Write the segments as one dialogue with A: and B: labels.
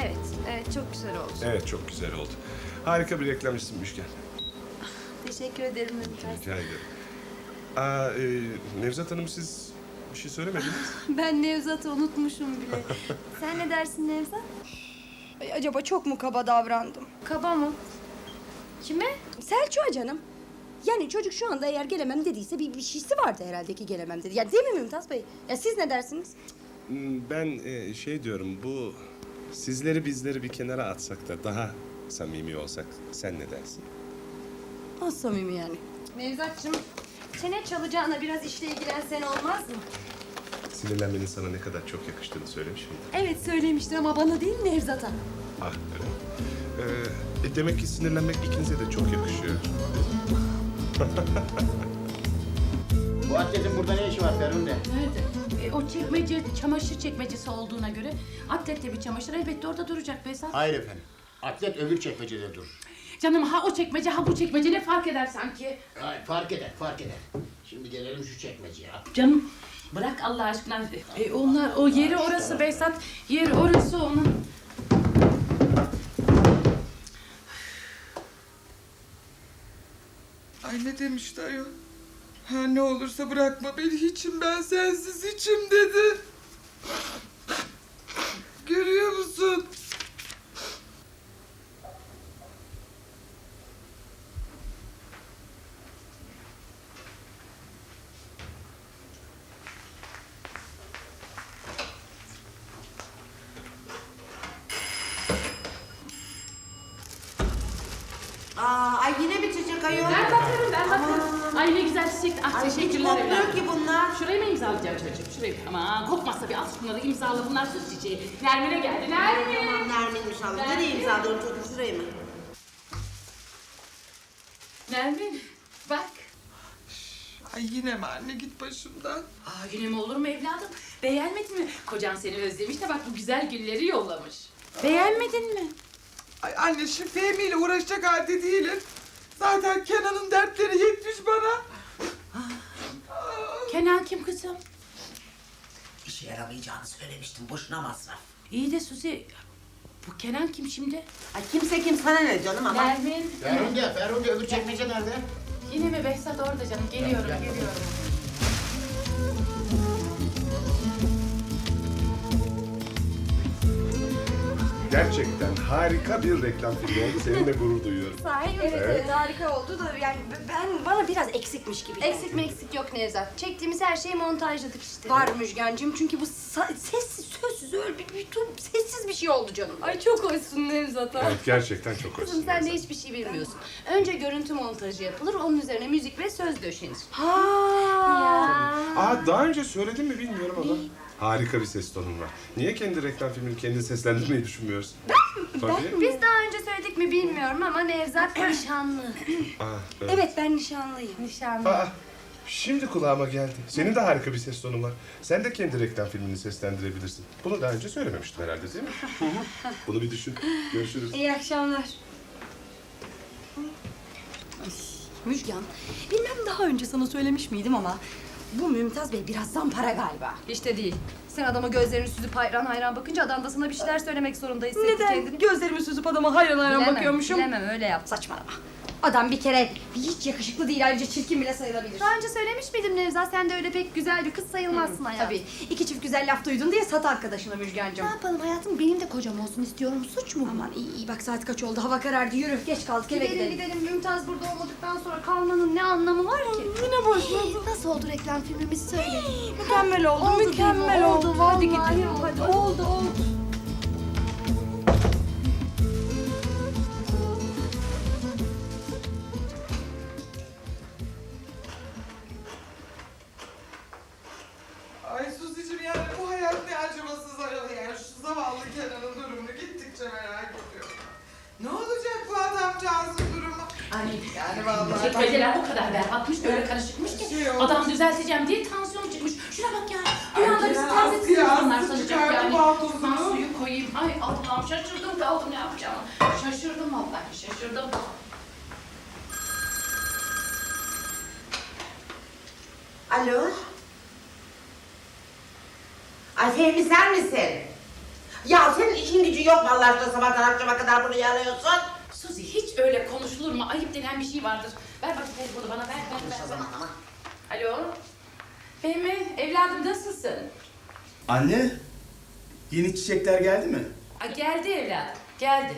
A: Evet, evet çok güzel oldu.
B: Evet, çok güzel oldu. Harika bir reklamcısın Müşken.
A: Teşekkür ederim Mümtaz.
B: Rica ederim. Nevzat Hanım, siz bir şey söylemediniz.
A: Ben Nevzat'ı unutmuşum bile. Sen ne dersin Nevzat?
C: Ay, acaba çok mu kaba davrandım?
A: Kaba mı? Kime?
C: Selçuk'a canım. Yani çocuk şu anda eğer gelemem dediyse bir şeysi vardı herhalde ki gelemem dedi. Ya değil mi Mümtaz Bey? Ya siz ne dersiniz?
B: Ben şey diyorum, bu sizleri bizleri bir kenara atsak da daha samimi olsak, sen ne dersin?
C: Az samimi yani.
A: Nevzat'cığım, çene çalacağına biraz işle ilgilensen olmaz mı?
B: Sinirlenmenin sana ne kadar çok yakıştığını söylemiş miydim?
A: Evet söylemiştir ama bana değil Nevzat'a.
B: Ah, öyle mi? Demek ki sinirlenmek ikinize de çok yakışıyor.
D: Bu atletin burada ne işi var Ferhunde?
E: Nerede? O çekmece, çamaşır çekmecesi olduğuna göre atlette bir çamaşır elbette orada duracak Behzat.
D: Hayır efendim. Atlet öbür çekmecede dur.
E: Canım ha o çekmece ha bu çekmece ne fark eder sanki?
D: Hayır, fark eder, fark eder. Şimdi gelelim şu çekmeceye.
E: Canım bırak Allah aşkına. Onlar o yeri orası Behzat. Yeri orası onun.
F: Ay ne demişti ayol? Ha ne olursa bırakma beni hiçim ben sensiz hiçim dedi. Görüyor musun?
G: Ay yine bitecek ayol.
E: Ben bakarım. Ay ne güzel çiçek. Ah
G: Ay hiç
E: teşekkürler
G: kokmuyor
E: evladım.
G: ki bunlar.
E: Şurayı mı imzalayacaksın çocuğum? Şurayı. Aman kokmazsa bir al şunları imzala. Bunlar süs çiçeği. Nermin'e geldi. Nermin.
G: Tamam Nermin'miş Allah. Nereye imzalıyorum çocuğum şurayı mı?
E: Nermin bak.
F: Ay yine mi anne git başımdan.
E: Yine mi olur mu evladım? Beğenmedin mi? Kocan seni özlemiş de bak bu güzel gülleri yollamış. Beğenmedin mi?
F: Ay anne şu Fehmi ile uğraşacak halde değilim. Zaten Kenan'ın dertleri yetmiş bana.
E: Kenan kim kızım?
G: İşe yaramayacağını söylemiştim. Boşuna masraf.
E: İyi de Suzi, bu Kenan kim şimdi?
G: Ay kimse kim sana ne canım ama.
E: Nermin.
D: Ferhunde öbür çekmece nerede?
E: Yine mi Behzat orada canım? Geliyorum.
B: Gerçekten harika bir reklam filmi oldu. Seninle gurur duyuyorum.
C: Sahi evet, harika oldu da yani bana biraz eksikmiş gibi.
A: Eksik meksik yok Nevzat. Çektiğimiz her şeyi montajladık işte.
C: Var Müjgancığım çünkü bu sessiz sözsüz öyle bir sessiz bir şey oldu canım.
A: Ay çok hoşsun Nevzat'a.
B: Evet, gerçekten çok hoşsun.
A: Kızım sen de hiçbir şey bilmiyorsun. Önce görüntü montajı yapılır, onun üzerine müzik ve söz döşenir.
C: Ha.
B: Daha önce söyledim mi bilmiyorum ama. Harika bir ses tonun var. Niye kendi reklam filmini kendi seslendirmeyi düşünmüyorsun? Tabii.
A: Biz daha önce söyledik mi bilmiyorum ama Nevzat nişanlı.
C: Evet ben nişanlıyım.
A: Nişanlı.
B: Şimdi kulağıma geldi. Senin de harika bir ses tonun var. Sen de kendi reklam filmini seslendirebilirsin. Bunu daha önce söylememiştim herhalde değil mi? Bunu bir düşün. Görüşürüz.
C: İyi akşamlar. Müjgan, bilmem daha önce sana söylemiş miydim ama bu Mümtaz Bey biraz zampara galiba.
A: İşte değil. Sen adama gözlerini süzüp hayran hayran bakınca adam da sana bir şeyler söylemek zorunda hissetti
C: Neden?
A: kendini.
C: Gözlerimi süzüp adama hayran hayran
A: Bilemem,
C: bakıyormuşum.
A: Bilemem öyle yap.
C: Saçmalama. Adam bir kere hiç yakışıklı değil, ayrıca çirkin bile sayılabilir.
A: Daha önce söylemiş miydim Nevzat? Sen de öyle pek güzel bir kız sayılmazsın hayatım.
C: Tabii. İki çift güzel laf duydun diye sat arkadaşına Müjgancığım.
A: Ne yapalım hayatım? Benim de kocam olsun istiyorum. Suç mu?
C: Aman iyi bak saat kaç oldu, hava karardı. Yürü, geç kaldık eve
A: Gidelim
C: gidelim.
A: gidelim. Mümtaz burada olmadıktan sonra kalmanın ne anlamı var ki?
C: Yine başladı.
A: Nasıl oldu reklam filmimiz söyle.
C: Mükemmel oldu,
A: Oldu
C: mükemmel
A: değil mi?
C: oldu.
A: Oldu,
C: Hadi
A: vallahi
C: gidelim,
A: oldu.
C: hadi. Oldu.
F: Ay Suzi'cim yani bu hayat ne acımasız ayol yani. Şu zavallı Kenan'ın durumunu gittikçe merak ediyorum. Ne olacak bu adamcağızın durumu?
E: Ay
F: Yani vallahi.
E: çekmeceler o kadar berbatmış, öyle karışıkmış ki.
F: Şey oldu.
E: Adam düzelteceğim diye tansiyonu çıkmış. Şuna bak ya.
F: Ay,
E: Bir anda bizi
F: Kenan
E: terbiyesiz
F: Aslı
E: insanlar
F: Aslı
E: sanacak
F: çıkardı
E: yani.
F: paltosunu.
E: Ben suyu koyayım. Ay Allah'ım şaşırdım kaldım ne yapacağımı. Şaşırdım vallahi şaşırdım.
G: Alo. Ay Fehmi sen misin? Ya senin işin gücün yok mu Allah aşkına sabahtan akşama kadar bunu yalıyorsun?
E: Suzi hiç öyle konuşulur mu? Ayıp denen bir şey vardır. Ver bakayım telefonu bana ver.
G: O zaman ama.
E: Alo. Fehmi evladım nasılsın?
H: Anne, yeni çiçekler geldi mi?
E: Geldi evladım. Geldi.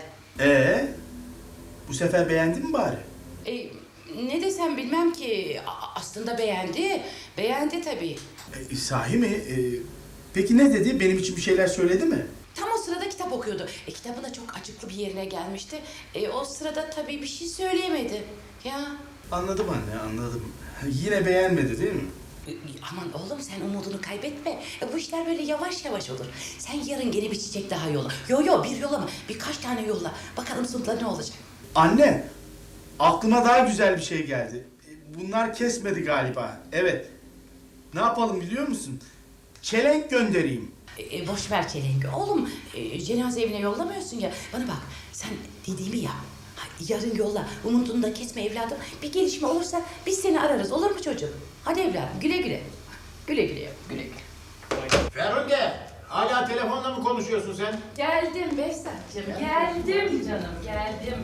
H: Bu sefer beğendin mi bari?
E: Ne desem bilmem ki. Aslında beğendi. Beğendi tabii.
H: Sahi mi? Peki ne dedi? Benim için bir şeyler söyledi mi?
E: Tam o sırada kitap okuyordu. Kitabın da çok acıklı bir yerine gelmişti. O sırada tabii bir şey söyleyemedi. Ya.
H: Anladım anne, anladım. Yine beğenmedi değil mi?
E: Aman oğlum sen umudunu kaybetme. Bu işler böyle yavaş yavaş olur. Sen yarın gene bir çiçek daha yolla. Yo bir yollama. Birkaç tane yolla. Bakalım sonunda ne olacak.
H: Anne, aklıma daha güzel bir şey geldi. Bunlar kesmedi galiba. Evet. Ne yapalım biliyor musun? Çelenk göndereyim.
E: Boş ver çelengi. Oğlum cenaze evine yollamıyorsun ya. Bana bak sen dediğimi yap. Yarın yolla. Umudunu da kesme evladım. Bir gelişme olursa biz seni ararız. Olur mu çocuğum? Hadi evladım güle güle. Güle güle.
D: Ferhunde, hala telefonla mı konuşuyorsun sen?
E: Geldim Behzatcığım. Geldim canım. Geldim.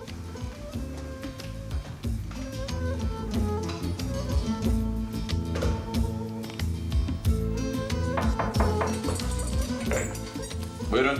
B: Buyurun.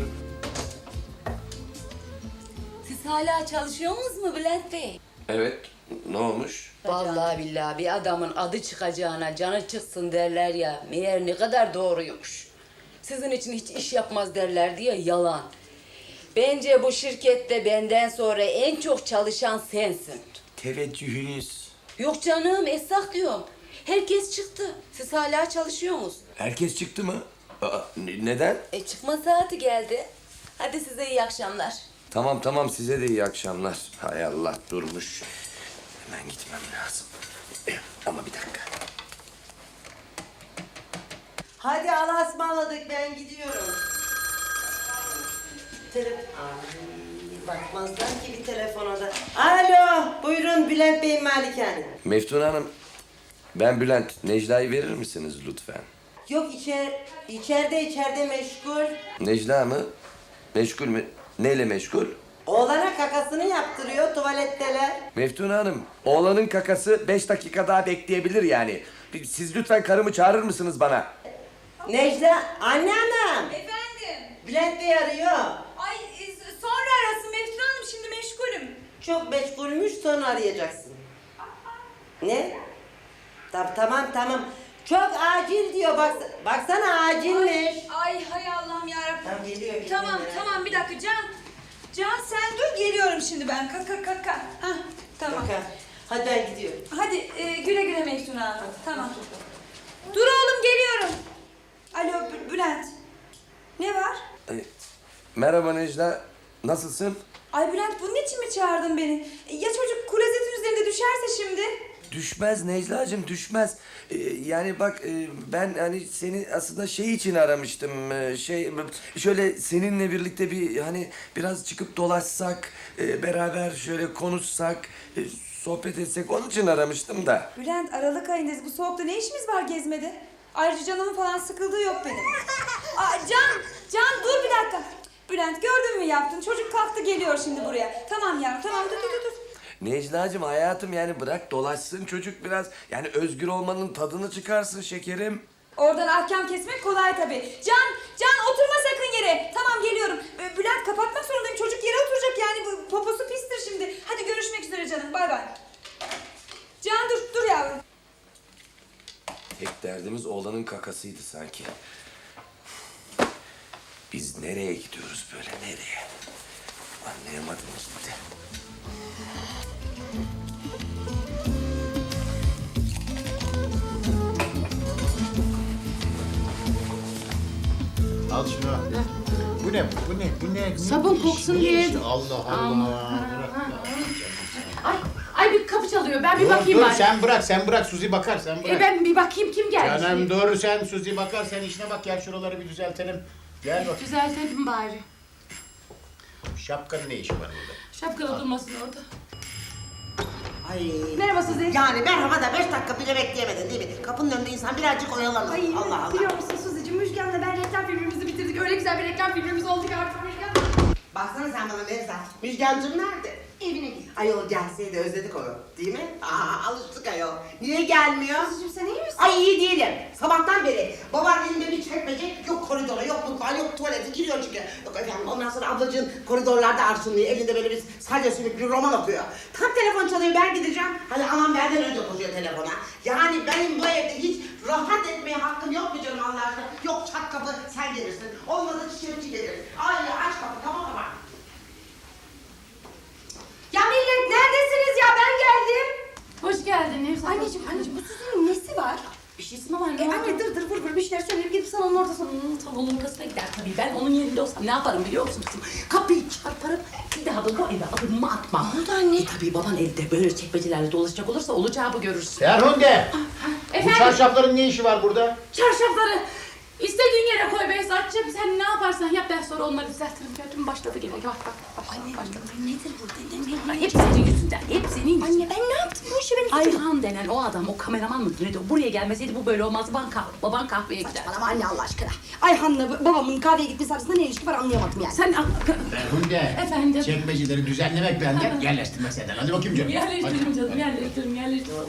I: Siz hala çalışıyor musunuz mu Bülent Bey?
B: Evet. Ne olmuş?
I: Vallahi billahi bir adamın adı çıkacağına canı çıksın derler ya. Meğer ne kadar doğruymuş. Sizin için hiç iş yapmaz derler diye yalan. Bence bu şirkette benden sonra en çok çalışan sensin.
J: Teveccühünüz.
I: Yok canım esnaf diyorum. Herkes çıktı. Siz hala çalışıyor musunuz?
J: Herkes çıktı mı? Neden?
I: Çıkma saati geldi. Hadi size iyi akşamlar.
J: Tamam size de iyi akşamlar. Hay Allah durmuş. Hemen gitmem lazım. Ama bir dakika.
G: Hadi Allah'a ısmarladık ben gidiyorum. Bakmazlar ki bir telefona da. Alo, buyurun Bülent Bey'in malikane.
J: Meftun Hanım, ben Bülent. Necla'yı verir misiniz lütfen?
G: Yok içeride meşgul.
J: Necla mı? Meşgul mü? Neyle meşgul?
G: Oğlana kakasını yaptırıyor tuvaletteler.
J: Meftun Hanım, oğlanın kakası 5 dakika daha bekleyebilir yani. Siz lütfen karımı çağırır mısınız bana?
G: Necla, anneannem.
K: Efendim?
G: Bülent Bey arıyor.
K: Ay sonra arasın Meftun Hanım şimdi meşgulüm.
G: Çok meşgulmüş sonra arayacaksın. Ne? Tamam. Çok acil diyor baksana acilmiş.
K: Ay hay Allah'ım yarabbim.
G: Tamam geliyor.
K: Tamam bir dakika Can sen dur geliyorum şimdi ben. Kalk. Hah tamam.
G: Bak, hadi ben gidiyorum.
K: Hadi güle güle Meftun Hanım. Tamam. Dur oğlum geliyorum. Alo Bülent. Ne var?
J: Merhaba Necla, nasılsın?
K: Ay Bülent bunun için mi çağırdın beni? Ya çocuk klozetin üzerinde düşerse şimdi?
J: Düşmez Necla'cığım, düşmez. Yani bak ben hani seni aslında şey için aramıştım. Şöyle seninle birlikte bir hani biraz çıkıp dolaşsak, beraber şöyle konuşsak, sohbet etsek onun için aramıştım da.
K: Bülent Aralık ayındayız. Bu soğukta ne işimiz var gezmede? Ayrıca canımın falan sıkıldığı yok benim. Can dur bir dakika. Bülent gördün mü yaptın? Çocuk kalktı geliyor şimdi buraya. Tamam yavrum tamam dur.
J: Necla'cığım hayatım yani bırak dolaşsın çocuk biraz. Yani özgür olmanın tadını çıkarsın şekerim.
K: Oradan ahkam kesmek kolay tabii. Can oturma sakın yere. Tamam geliyorum. Bülent kapatmak zorundayım. Çocuk yere oturacak yani. Bu poposu pistir şimdi. Hadi görüşmek üzere canım. Bay bay. Can dur yavrum.
J: Tek derdimiz oğlanın kakasıydı sanki. Biz nereye gidiyoruz böyle nereye? Anlayamadım gitti.
D: Al şunu al. Bu ne?
E: Sabun koksun diye.
D: Allah.
E: Ay bir kapı çalıyor. Ben bir
D: Dur
E: bakayım bari.
D: sen bırak Suzi bakar sen bırak.
E: Ben bir bakayım kim gelmiş.
D: Canım dur sen Suzi bakar sen işine bak gel şuraları bir düzeltelim. Gel bak.
E: Düzeltelim bari.
D: Şapkanın ne işi var burada?
E: Şapkalı durmasın orada.
G: Ay.
K: Merhaba Suzi.
G: Yani merhaba da 5 dakika bile bekleyemedin değil mi? Kapının önünde insan birazcık oyalanır. Allah Allah.
K: Biliyor musun Suzi'cim
C: Müjgan'la ben reklam filmimizi bitirdik. Öyle güzel bir reklam filmimiz oldu ki artık Müjgan.
G: Baksana sen bana Nevzat. Müjgancığım nerede?
C: Evine git.
G: Ayol gelseydi özledik onu. Değil mi? Alıştık ayol. Niye gelmiyor?
C: Suzucuğum sen iyi misin?
G: Ay iyi değilim. Sabahtan beri baban elinde bir çekmece, yok koridora, yok mutfağa, yok tuvalete giriyor çünkü. Yok efendim, ondan sonra ablacığın koridorlarda arşınlıyor, elinde böyle bir salya sümük bir roman okuyor. Tam telefon çalıyor, ben gideceğim. Hadi anam benden önce koşuyor telefona. Yani benim bu evde hiç rahat etmeye hakkım yok mu canım Allah aşkına? Yok çat kapı sen gelirsin, olmadı çiçekçi gelir. Ay aç kapı, tamam mı?
C: Ya millet neredesiniz ya? Ben geldim.
A: Hoş geldin Nevzat.
C: Anneciğim bu Suzu'nun nesi var?
E: Bir şeysi mi var? Ne
C: Anne dır vur bir şeyler söyleyip gidip salonun ortasına.
E: Tavuğun kasına gider tabii. Ben onun yerinde olsam ne yaparım biliyor musun kızım? Kapıyı çarparım, bir daha da bu eve adımımı atmam.
C: Ne oldu anne?
E: Tabii baban evde böyle çekmecelerle dolaşacak olursa olacağı bu görürsün.
D: Ferhunde! Bu
A: Efendim?
D: çarşafların ne işi var burada?
A: Çarşafları istediğin yere koy Behzatçığım. Sen ne yaparsan yap, ben sonra onları düzeltirim. Gördün mü başladı gene. Bak.
C: Anne nedir bu?
E: Hep senin yüzünden, hep senin yüzünden.
C: Anne ben ne yaptım bu işi benim?
E: Ayhan denen o adam, o kameraman mıydı neydi? Buraya gelmeseydi bu böyle olmazdı. Baban kahveye gider.
C: Saçmalama anne Allah aşkına. Ayhan'la babamın kahveye gitmesi arasında ne ilişki var anlayamadım yani.
E: Sen
D: Ferhunde!
A: Efendim?
D: Çekmeceleri düzenlemek benden, yerleştirme senden. Hadi bakayım canım.
A: Yerleştirim canım, yerleştirim.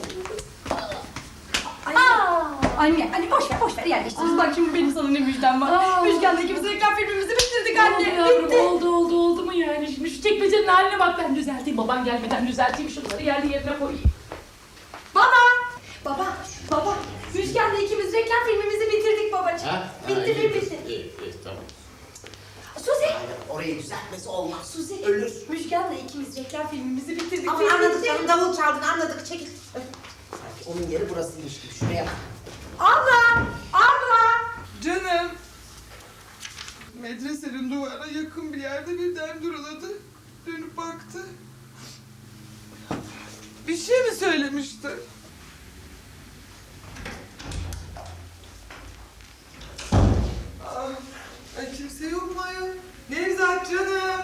C: Anne boş ver yerleştiririz. Bak şimdi benim sana ne müjdem var. Müjgan'la ikimiz reklam filmimizi bitirdik anne.
A: Yavrum,
C: Bitti.
A: oldu mu yani? Şimdi şu çekmecenin haline bak, ben düzelteyim. Baban gelmeden düzelteyim, şunları yerine koyayım.
C: Baba. Müjgan'la ikimiz reklam filmimizi bitirdik babacığım. Bitti.
D: İyi, tamam.
C: Suzi.
G: Orayı düzeltmesi olmaz.
C: Suzi.
G: Ölür.
C: Müjgan'la ikimiz reklam filmimizi bitirdik.
G: Ama anladık canım, davul çaldın, anladık. Çekil. Sanki onun yeri burasıymış gibi. Şuraya bak.
C: Abla.
F: Canım. Medresenin duvara yakın bir yerde birden duruladı. Dönüp baktı. Bir şey mi söylemişti? Ay kimse yok mu ayol? Nevzat canım.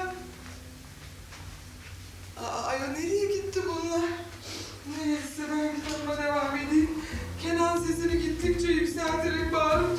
F: Ayol nereye gitti bunlar? Neyse ben kitabıma devam edeyim. Kenan sesini gittikçe yükselterek bağırıp